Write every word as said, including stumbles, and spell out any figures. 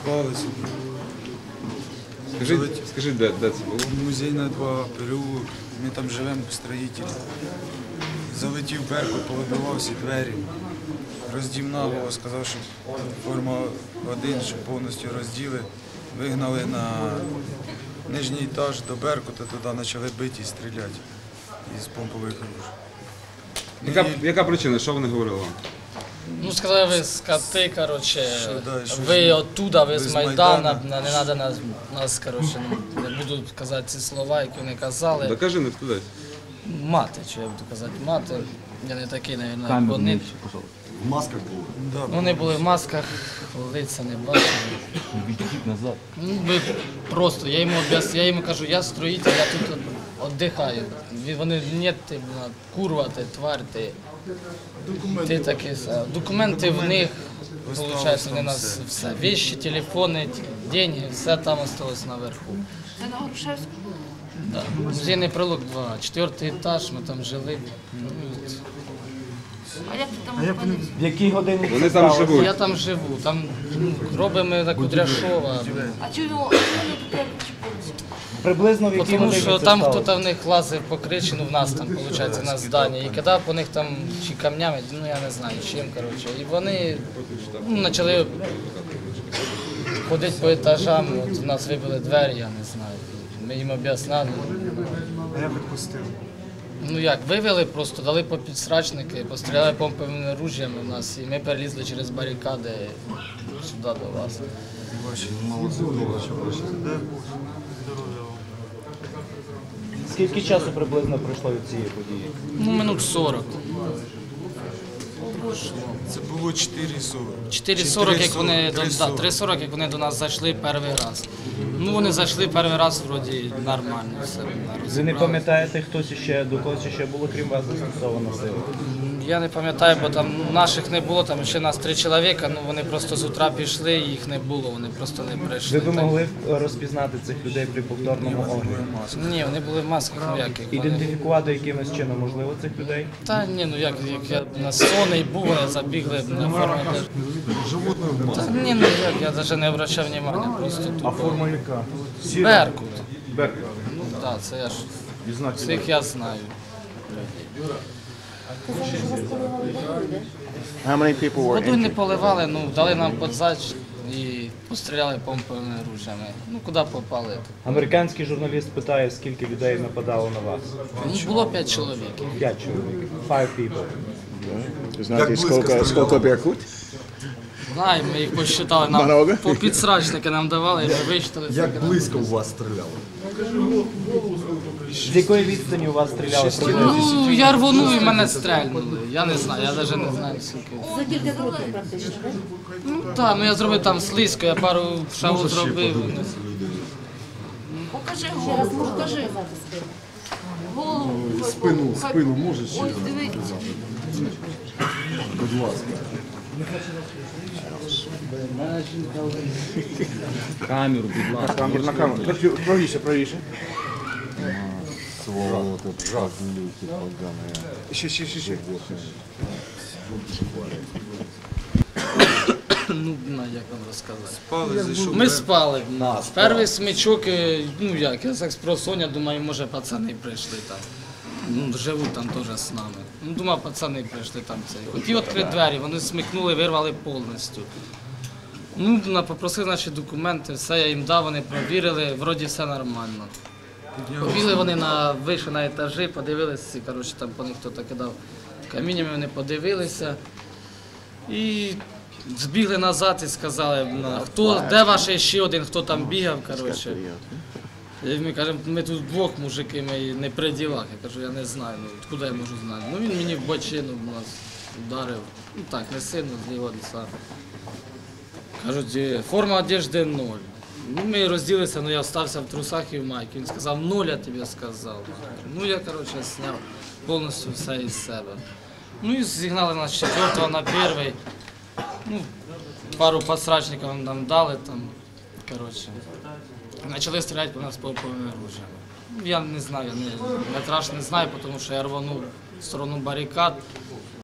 спали собі. Скажи, скажи, де, де це було? Музейна два, переулок, ми там живемо строїтелі. Залетів Беркут, повибивав всі двері. Роздівна Вова сказав, що форма один, що повністю розділи. Вигнали на нижній етаж до Беркута, туди почали бити і стріляти із помпових ружей. Яка, яка причина? Що вони говорили вам? Ну, сказали, ви скоти, коротше, Що, да, що ви ж, оттуда, ви ви з з Майдана, Майдана. не треба нас, нас, коротше, ну, не буду казати ці слова, які вони казали. Докажи, не туди. Мати, що я буду казати, мати. Я не такий, мабуть, як вони. В масках були. Да, Вони були в масках, лиця не бачили. назад. Ну, ви просто, я йому об'яс- я йому кажу, я строїтель, я тут віддихаю. Він- Вони, ні, ти, бля, курва, ти, тварь, ти. Ти такий, са- документи в них, виходить, вони нас все. Вещи, телефони, деньги, все там осталось наверху. Це на Грушевську? Да. Музейний прилог два, четвертий етаж, ми там жили. Ну, от. А як ти там опинився? В якій годині Вони там живуть. Я там живу, там ну, робимо на Кудряшова. А чого ви туди причепилися? Приблизно в якій Тому годині що це там сталося? хтось в них лазив по кричі, ну в нас там, виходить, на зданні, і кидав по них там чи камнями, ну я не знаю чим, коротше. І вони ну, почали ходити по етажам, от у нас вибили двері, я не знаю. Ми їм об'ясняли. А я відпустив. Ну як, вивели просто, дали по підсрачники, постріляли помповими ружьями в нас, і ми перелізли через барикади сюди до вас. Скільки часу приблизно пройшло від цієї події? Ну, минут сорок. Це було чотири сорок. чотири сорок, як вони до да, три сорок, як вони до нас зайшли перший раз. Ну вони зайшли перший раз, вроді нормально все. Ви не пам'ятаєте, хтось ще до когось ще було, крім вас, застосована сила? Я не пам'ятаю, бо там наших не було, там ще нас три чоловіка, ну вони просто з утра пішли, і їх не було, вони просто не прийшли. Ви б Так. могли розпізнати цих людей при повторному огляді? Ні, вони були в масках ніяких. Вони... Ідентифікувати якимось чином можливо цих людей? Та ні, ну як, як я на сонний був, вони забігли на форму. Та ні, ну як, я навіть не обращав уваги, просто тут. А форма яка? Беркут. Беркут. Ну так, це я ж І знаки. всіх я знаю. How many people were Воду не injured? поливали, ну дали нам подзач і постріляли помповими ружями. Ну куди попали? Американський журналіст питає, скільки людей нападало на вас? Ну було п'ять чоловік. П'ять чоловік. Five people. Знаєте, скільки, скільки Беркут? Знаю, ми їх посчитали, нам Много? по підсрачники нам давали, і ми вичитали. Як близько у вас стріляли? З якої відстані у вас стріляли? Ну я рвонув і мене стрельнули. Я не знаю, я навіть не знаю скільки. За кілька кроків практично, так? Ну так, ну я зробив там слизько, я пару шагів зробив. Покажи голову, покажи. Голову. Спину, спину можеш ще Ось раз диви. показати? Будь ласка. Камеру, будь ласка. Камеру на камеру. Правіше, правіше. Сволоти, жахлюки погані. Ще, ще, ще, ще. Ну, на, як вам розказати. Спали, зайшов. Ми спали. Перший смічок, е, ну як, я так спросоння, думаю, може пацани прийшли там. Ну, живуть там теж з нами. Ну, думаю, пацани прийшли там цей. Хотів відкрити двері, вони смикнули, вирвали повністю. Ну, на- попросив, значить, документи, все я їм дав, вони провірили, вроді все нормально. Побігли вони на вийшли на етажі, подивилися, коротше, там по них хтось кидав каміннями, вони подивилися. І збігли назад і сказали, на, хто, де ваш ще один, хто там бігав, коротше. І ми кажемо, ми тут двох мужики, ми не при ділах. Я кажу, я не знаю, ну откуда я можу знати. Ну він мені в бочину нас ударив. Ну так, не сильно, з лівого лица. Кажуть, «Е, форма одежди ноль. Ну ми розділилися, ну я остався в трусах і в майці. Він сказав, нуль я тобі сказав. Ну я, коротше, зняв повністю все із себе. Ну і зігнали нас з четвертого на перший. Ну, пару подсрачників нам дали там, коротше. Почали стріляти по нас помповими ружьями. Я не знаю, я не, метраж не знаю, тому що я рванув в сторону барикад.